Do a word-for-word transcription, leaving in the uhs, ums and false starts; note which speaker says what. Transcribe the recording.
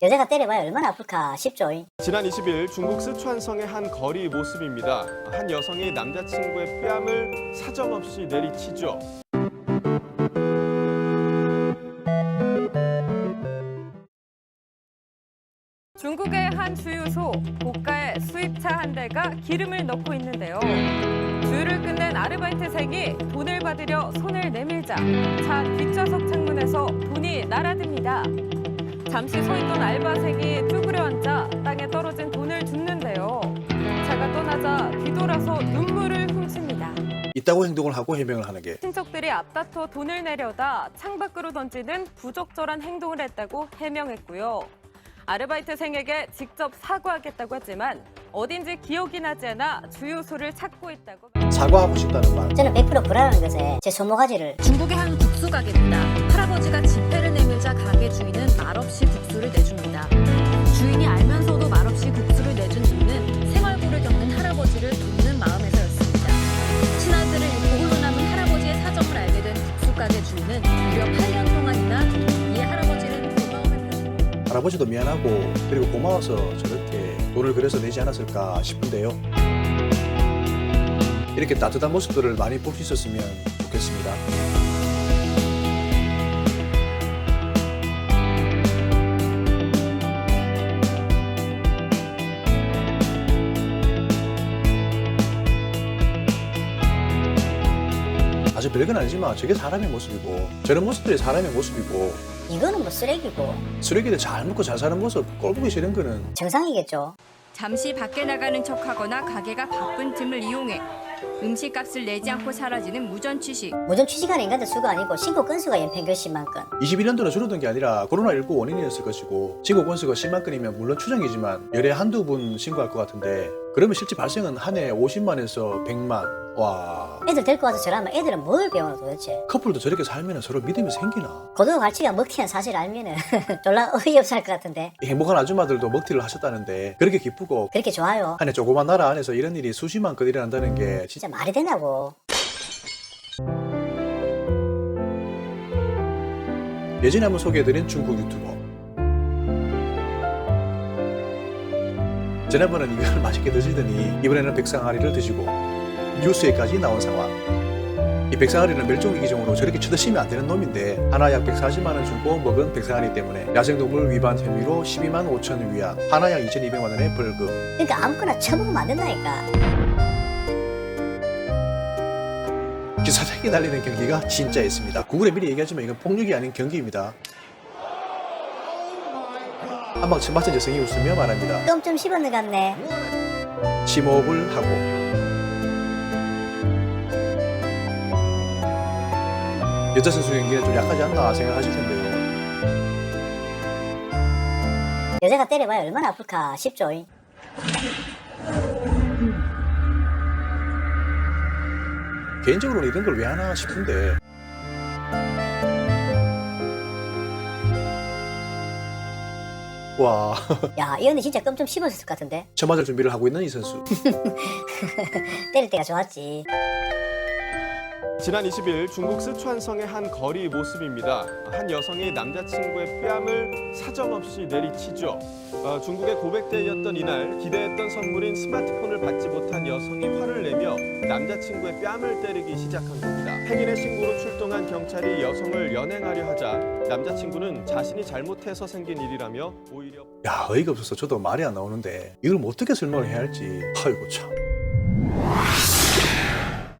Speaker 1: 여자가 때려봐야 얼마나 아플까 싶죠.
Speaker 2: 지난 이십 일 중국 쓰촨성의 한 거리 모습입니다. 한 여성이 남자친구의 뺨을 사정없이 내리치죠.
Speaker 3: 중국의 한 주유소, 고가의 수입차 한 대가 기름을 넣고 있는데요. 주유를 끝낸 아르바이트생이 돈을 받으려 손을 내밀자 차 뒷좌석 창문에서 돈이 날아듭니다. 잠시 서 있던 알바생이 쭈그려 앉아 땅에 떨어진 돈을 줍는데요. 차가 떠나자 뒤돌아서 눈물을 훔칩니다.
Speaker 4: 있다고 행동을 하고 해명을 하는 게
Speaker 3: 친척들이 앞다퉈 돈을 내려다 창밖으로 던지는 부적절한 행동을 했다고 해명했고요. 아르바이트생에게 직접 사과하겠다고 했지만 어딘지 기억이 나지 않아 주유소를 찾고 있다고.
Speaker 4: 사과하고 싶다는 말.
Speaker 1: 저는 백 퍼센트 불안한 것에 제 손모가지를
Speaker 5: 중국의 한 국수 가게입니다. 할아버지가 지폐를 내밀자 가게 주인은 말없이 국수를 내줍니다. 주인이 알면서도 말없이 국수를 내준 이유는 생활고를 겪는 할아버지를 돕는 마음에서였습니다. 친아들을 잃고 홀로 남은 할아버지의 사정을 알게 된 국수 가게 주인은 무려 팔 년 동안이나 이 할아버지를 고마워했습니다.
Speaker 4: 할아버지도 미안하고 그리고 고마워서 저렇게 돈을 그래서 내지 않았을까 싶은데요. 이렇게 따뜻한 모습들을 많이 볼 수 있었으면 좋겠습니다. 아주 별건 아니지만 저게 사람의 모습이고 저런 모습들이 사람의 모습이고
Speaker 1: 이거는 뭐 쓰레기고
Speaker 4: 쓰레기들 잘 먹고 잘 사는 모습 꼴보기 싫은 거는
Speaker 1: 정상이겠죠.
Speaker 5: 잠시 밖에 나가는 척하거나 가게가 바쁜 틈을 이용해 음식값을 내지 않고 사라지는 무전 취식.
Speaker 1: 무전 취직한 인간들 수가 아니고 신고 건수가 연평균 십만 건.
Speaker 4: 이십일 년도는 줄어든 게 아니라 코로나십구 원인이었을 것이고 신고 건수가 십만 건이면 물론 추정이지만 열에 한두 분 신고할 것 같은데 그러면 실제 발생은 한 해 오십만에서 백만. 와,
Speaker 1: 애들 데리고 와서 저러면 애들은 뭘 배우나 도대체.
Speaker 4: 커플도 저렇게 살면 서로 믿음이 생기나?
Speaker 1: 고등어 갈치가 먹튀한 사실 알면은 졸라 어이없을 것 같은데.
Speaker 4: 이 행복한 아줌마들도 먹튀를 하셨다는데 그렇게 기쁘고
Speaker 1: 그렇게 좋아요.
Speaker 4: 한 해 조그만 나라 안에서 이런 일이 수십만 건 일어난다는 게 진짜
Speaker 1: 진짜 말이 되냐고.
Speaker 4: 예전에 한번 소개해드린 중국 유튜버. 지난번은 이걸 맛있게 드시더니 이번에는 백상아리를 드시고 뉴스에까지 나온 상황. 이 백상아리는 멸종위기종으로 저렇게 쳐드시면 안 되는 놈인데 하나 약 백사십만 원 주고 먹은 백상아리 때문에 야생동물 위반 혐의로 십이만 오천 위안, 하나 약 이천이백만 원의 벌금.
Speaker 1: 그러니까 아무거나 쳐먹으면 안 된다니까.
Speaker 4: 기사장이 날리는 경기가 진짜였습니다. 구글에 미리 얘기하지만 이건 폭력이 아닌 경기입니다. 한방 맞은 여성이 웃으며 말합니다.
Speaker 1: 좀 좀 씹었는 것 같네.
Speaker 4: 심호흡을 하고 여자 선수 연기는 좀 약하지 않나 생각하실 텐데요.
Speaker 1: 여자가 때려봐야 얼마나 아플까 싶죠.
Speaker 4: 개인적으로는 이런 걸 왜 하나 싶은데 와,
Speaker 1: 야, 이 언니 진짜 껌 좀 씹었을 것 같은데.
Speaker 4: 저 맞을 준비를 하고 있는 이 선수.
Speaker 1: 때릴 때가 좋았지.
Speaker 2: 지난 이십 일 중국 쓰촨성의 한 거리 모습입니다. 한 여성이 남자친구의 뺨을 사정없이 내리치죠. 어, 중국의 고백대회였던 이날 기대했던 선물인 스마트폰을 받지 못한 여성이 화를 내며 남자친구의 뺨을 때리기 시작한 겁니다. 행인의 신고로 출동한 경찰이 여성을 연행하려 하자 남자친구는 자신이 잘못해서 생긴 일이라며 오히려
Speaker 4: 야, 어이가 없어서 저도 말이 안 나오는데 이걸 뭐 어떻게 설명을 해야 할지. 아이고 참.